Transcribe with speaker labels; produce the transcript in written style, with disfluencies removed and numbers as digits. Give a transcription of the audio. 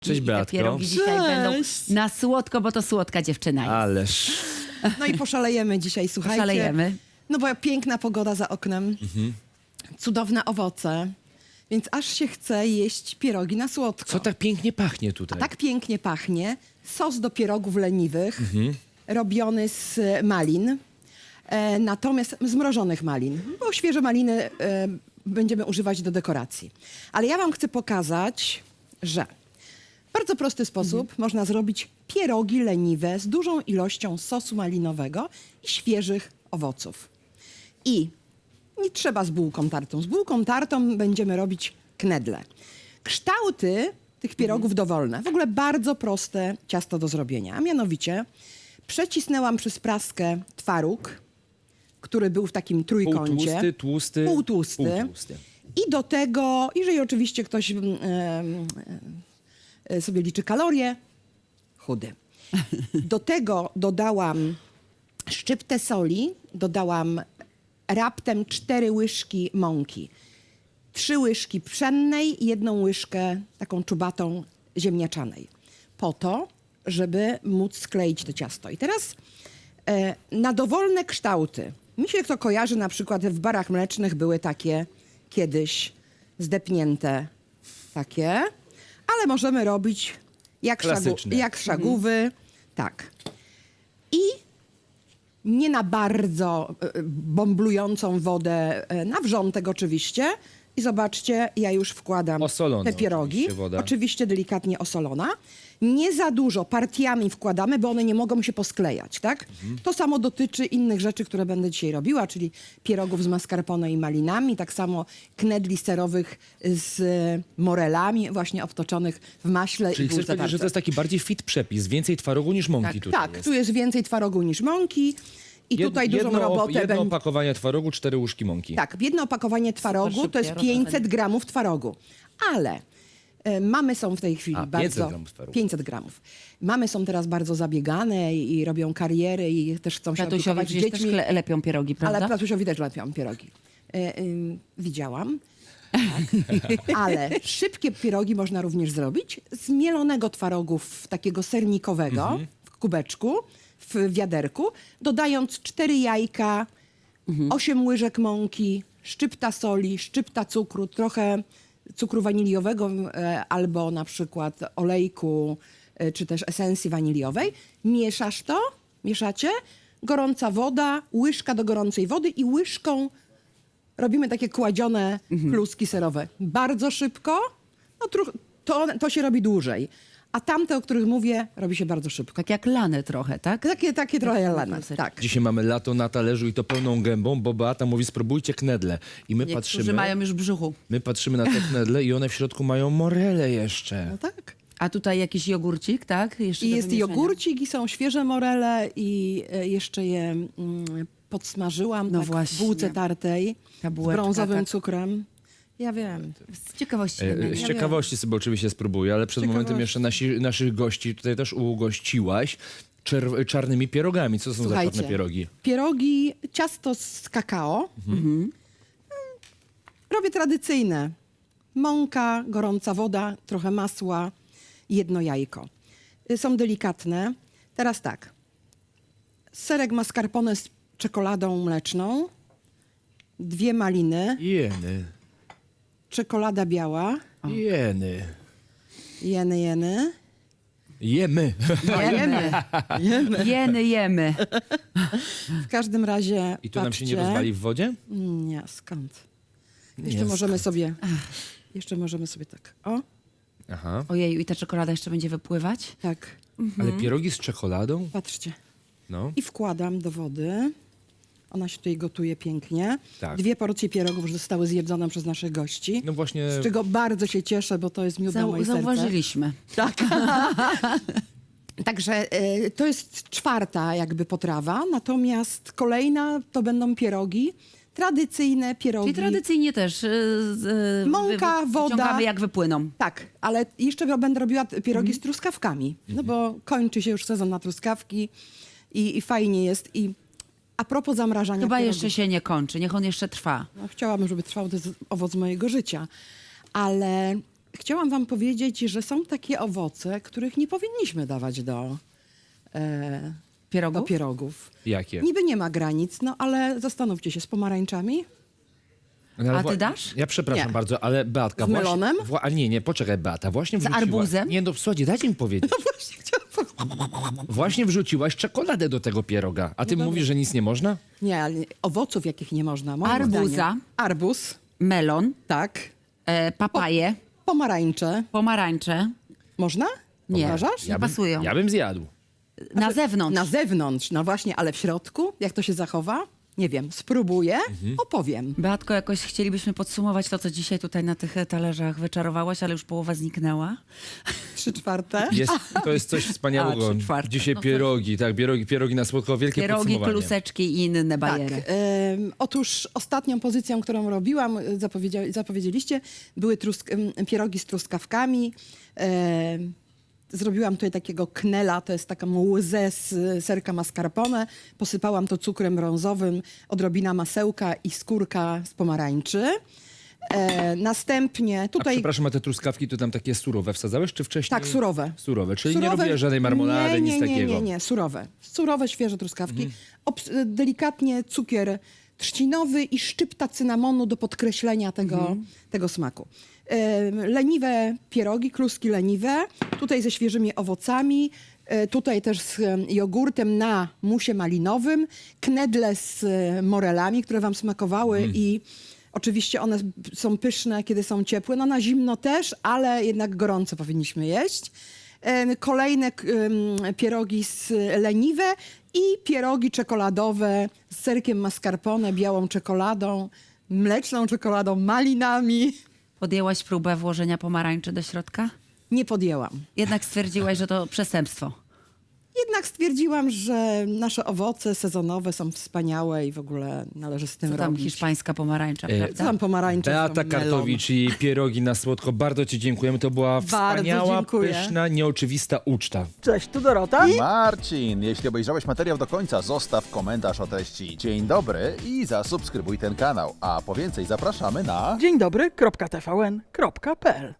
Speaker 1: Cześć,
Speaker 2: I te
Speaker 1: Beatko.
Speaker 2: pierogi dzisiaj będą
Speaker 3: Cześć.
Speaker 2: na słodko, bo to słodka dziewczyna jest.
Speaker 1: Ależ.
Speaker 3: No i poszalejemy dzisiaj, słuchajcie.
Speaker 2: Szalejemy.
Speaker 3: No bo piękna pogoda za oknem, cudowne owoce, więc aż się chce jeść pierogi na słodko.
Speaker 1: Co tak pięknie pachnie tutaj?
Speaker 3: Tak pięknie pachnie. Sos do pierogów leniwych, robiony z malin, natomiast zmrożonych malin, bo świeże maliny będziemy używać do dekoracji. Ale ja wam chcę pokazać, że w bardzo prosty sposób można zrobić pierogi leniwe z dużą ilością sosu malinowego i świeżych owoców. I nie trzeba z bułką tartą. Z bułką tartą będziemy robić knedle. Kształty tych pierogów dowolne. W ogóle bardzo proste ciasto do zrobienia. A mianowicie przecisnęłam przez praskę twaróg, który był w takim trójkącie.
Speaker 1: Półtłusty, tłusty.
Speaker 3: Półtłusty.
Speaker 1: Półtłusty.
Speaker 3: I do tego, jeżeli oczywiście ktoś sobie liczy kalorie, chudy. Do tego dodałam szczyptę soli, dodałam raptem 4 łyżki mąki, 3 łyżki pszennej i 1 łyżkę taką czubatą ziemniaczanej. Po to, żeby móc skleić to ciasto. I teraz na dowolne kształty. Mi się to kojarzy, na przykład w barach mlecznych były takie kiedyś zdepnięte takie, ale możemy robić
Speaker 1: Klasyczne.
Speaker 3: jak szagówy. Tak. I nie na bardzo bomblującą wodę, na wrzątek oczywiście. I zobaczcie, ja już wkładam
Speaker 1: Osolona
Speaker 3: te pierogi.
Speaker 1: oczywiście woda.
Speaker 3: Oczywiście delikatnie osolona. Nie za dużo partiami wkładamy, bo one nie mogą się posklejać, tak? To samo dotyczy innych rzeczy, które będę dzisiaj robiła, czyli pierogów z mascarpone i malinami, tak samo knedli serowych z morelami, właśnie obtoczonych w maśle
Speaker 1: Czyli
Speaker 3: i
Speaker 1: chcesz
Speaker 3: bułce
Speaker 1: powiedzieć, że to
Speaker 3: tarce.
Speaker 1: jest taki bardziej fit przepis, więcej twarogu niż mąki tutaj
Speaker 3: Tak,
Speaker 1: jest.
Speaker 3: tu jest więcej twarogu niż mąki i tutaj dużą robotę
Speaker 1: Jedno
Speaker 3: będzie.
Speaker 1: opakowanie twarogu, 4 łyżki mąki.
Speaker 3: Tak, jedno opakowanie twarogu
Speaker 2: Super
Speaker 3: to jest
Speaker 2: szybkie
Speaker 3: 500 gramów twarogu. Ale mamy są w tej chwili
Speaker 1: 500
Speaker 3: bardzo...
Speaker 1: gramów twarogu.
Speaker 3: 500 gramów. Mamy są teraz bardzo zabiegane i robią kariery i też chcą się
Speaker 2: Tatusiowi
Speaker 3: opiekować
Speaker 2: przecież też
Speaker 3: dziećmi.
Speaker 2: lepią pierogi, prawda?
Speaker 3: Ale tatusiowi też lepią pierogi. Widziałam. Tak. Ale szybkie pierogi można również zrobić z mielonego twarogu takiego sernikowego w kubeczku, w wiaderku, dodając 4 jajka, 8 łyżek mąki, szczypta soli, szczypta cukru, trochę cukru waniliowego albo na przykład olejku czy też esencji waniliowej. Mieszasz to, mieszacie, gorąca woda, łyżka do gorącej wody i łyżką robimy takie kładzione kluski serowe. Bardzo szybko, no, to się robi dłużej. A tamte, o których mówię, robi się bardzo szybko.
Speaker 2: Tak jak lane trochę, tak?
Speaker 3: Takie trochę lane,
Speaker 2: kluseczki.
Speaker 3: tak.
Speaker 1: Dzisiaj mamy lato na talerzu i to pełną gębą, bo Beata mówi, spróbujcie knedle. I my
Speaker 2: Niektórzy mają już w brzuchu.
Speaker 1: patrzymy na te knedle i one w środku mają morele jeszcze.
Speaker 3: No tak.
Speaker 2: A tutaj jakiś jogurcik, tak? Jeszcze
Speaker 3: I
Speaker 2: do
Speaker 3: jest
Speaker 2: wymieszania.
Speaker 3: jogurcik i są świeże morele i jeszcze je podsmażyłam
Speaker 2: No
Speaker 3: tak, w
Speaker 2: właśnie.
Speaker 3: bułce tartej
Speaker 2: Ta
Speaker 3: z
Speaker 2: bułeczka,
Speaker 3: brązowym
Speaker 2: tak.
Speaker 3: cukrem. Ja wiem.
Speaker 2: Z ciekawości.
Speaker 1: Z ciekawości sobie oczywiście spróbuję, ale przed momentem jeszcze naszych gości tutaj też ugościłaś czarnymi pierogami. Co są za czarne pierogi?
Speaker 3: Pierogi, ciasto z kakao. Robię tradycyjne. Mąka, gorąca woda, trochę masła, 1 jajko. Są delikatne. Teraz tak. Serek mascarpone z czekoladą mleczną, 2 maliny,
Speaker 1: Jeny.
Speaker 3: czekolada biała,
Speaker 1: Jeny.
Speaker 3: jeny.
Speaker 1: Jemy.
Speaker 2: Jemy.
Speaker 3: W każdym razie
Speaker 1: I to nam się nie
Speaker 3: patrzcie.
Speaker 1: rozwali w wodzie?
Speaker 3: Nie, skąd? Jeszcze
Speaker 1: Nie,
Speaker 3: możemy sobie... Jeszcze możemy sobie tak. O,
Speaker 1: Aha.
Speaker 2: Ojeju, i ta czekolada jeszcze będzie wypływać?
Speaker 3: tak.
Speaker 1: Ale pierogi z czekoladą?
Speaker 3: Patrzcie.
Speaker 1: No.
Speaker 3: I wkładam do wody. Ona się tutaj gotuje pięknie.
Speaker 1: Tak.
Speaker 3: 2 porcje pierogów już zostały zjedzone przez naszych gości.
Speaker 1: No właśnie.
Speaker 3: Z czego bardzo się cieszę, bo to jest miód na moje serce.
Speaker 2: Zauważyliśmy.
Speaker 3: Tak. Także to jest 4. jakby potrawa. Natomiast kolejna to będą pierogi. Tradycyjne pierogi.
Speaker 2: Czyli tradycyjnie też
Speaker 3: Mąka, woda.
Speaker 2: wyciągamy jak wypłyną.
Speaker 3: Tak, ale jeszcze będę robiła pierogi z truskawkami. No bo kończy się już sezon na truskawki i fajnie jest. I a propos zamrażania
Speaker 2: Chyba
Speaker 3: pierogów.
Speaker 2: jeszcze się nie kończy, niech on jeszcze trwa.
Speaker 3: No, chciałabym, żeby trwał, to jest owoc mojego życia. Ale Chciałam wam powiedzieć, że są takie owoce, których nie powinniśmy dawać do
Speaker 2: Pierogów?
Speaker 3: pierogów.
Speaker 1: Jakie?
Speaker 3: Niby nie ma granic, no ale zastanówcie się, z pomarańczami?
Speaker 1: No, ale
Speaker 2: A ty dasz?
Speaker 1: Ja przepraszam
Speaker 3: Nie.
Speaker 1: bardzo, ale Beatka...
Speaker 3: Z melonem?
Speaker 1: A nie, poczekaj, Beata, właśnie
Speaker 2: Z
Speaker 1: wrzuciłaś...
Speaker 2: arbuzem?
Speaker 1: Nie, no słuchajcie, dajcie mi powiedzieć.
Speaker 3: Właśnie chciałam
Speaker 1: Właśnie wrzuciłaś czekoladę do tego pieroga, a ty mówisz, że nic nie można?
Speaker 3: Nie, ale owoców jakich nie można. Moim
Speaker 2: Arbuza.
Speaker 3: zdaniem. Arbuz,
Speaker 2: Melon,
Speaker 3: tak.
Speaker 2: papaje,
Speaker 3: Pomarańcze.
Speaker 2: pomarańcze.
Speaker 3: Można?
Speaker 2: Nie.
Speaker 3: Uważasz?
Speaker 2: Ja pasują.
Speaker 1: Ja bym zjadł.
Speaker 2: Na zewnątrz.
Speaker 3: Na zewnątrz, no właśnie, ale w środku? Jak to się zachowa? Nie wiem, spróbuję, opowiem.
Speaker 2: Beatko, jakoś chcielibyśmy podsumować to, co dzisiaj tutaj na tych talerzach wyczarowałaś, ale już połowa zniknęła.
Speaker 3: 3/4.
Speaker 1: To jest coś wspaniałego.
Speaker 2: A, 3/4.
Speaker 1: Dzisiaj pierogi, tak, pierogi na słodko, wielkie
Speaker 2: Pierogi,
Speaker 1: podsumowanie.
Speaker 2: kluseczki i inne
Speaker 3: Tak.
Speaker 2: bajery.
Speaker 3: Otóż ostatnią pozycją, którą robiłam, zapowiedzieliście, były pierogi z truskawkami. Zrobiłam tutaj takiego knela, to jest taką łzę z serka mascarpone. Posypałam to cukrem brązowym, odrobina masełka i skórka z pomarańczy. Następnie
Speaker 1: A
Speaker 3: tutaj...
Speaker 1: przepraszam, a te truskawki to tam takie surowe wsadzałeś, czy wcześniej?
Speaker 3: Tak, surowe.
Speaker 1: Surowe, czyli nie robiłaś żadnej marmolady, nic takiego.
Speaker 3: Nie, surowe. Surowe, świeże truskawki. Delikatnie cukier trzcinowy i szczypta cynamonu do podkreślenia tego smaku. Leniwe pierogi, kluski leniwe, tutaj ze świeżymi owocami, tutaj też z jogurtem na musie malinowym, knedle z morelami, które wam smakowały i oczywiście one są pyszne, kiedy są ciepłe. No na zimno też, ale jednak gorąco powinniśmy jeść. Kolejne pierogi leniwe i pierogi czekoladowe z serkiem mascarpone, białą czekoladą, mleczną czekoladą, malinami.
Speaker 2: Podjęłaś próbę włożenia pomarańczy do środka?
Speaker 3: Nie podjęłam.
Speaker 2: Jednak stwierdziłaś, że to przestępstwo.
Speaker 3: Jednak stwierdziłam, że nasze owoce sezonowe są wspaniałe i w ogóle należy z tym
Speaker 2: Co tam
Speaker 3: robić.
Speaker 2: hiszpańska pomarańcza,
Speaker 3: Co
Speaker 2: prawda?
Speaker 3: tam pomarańcze?
Speaker 1: Beata
Speaker 3: są melon.
Speaker 1: Kartowicz i pierogi na słodko. Bardzo ci dziękujemy. To była
Speaker 3: Bardzo
Speaker 1: wspaniała,
Speaker 3: dziękuję.
Speaker 1: pyszna, nieoczywista uczta.
Speaker 4: Cześć, tu Dorota.
Speaker 5: Marcin, jeśli obejrzałeś materiał do końca, zostaw komentarz o treści dzień dobry i zasubskrybuj ten kanał. A po więcej zapraszamy na...
Speaker 4: Dzień dobry, .tvn.pl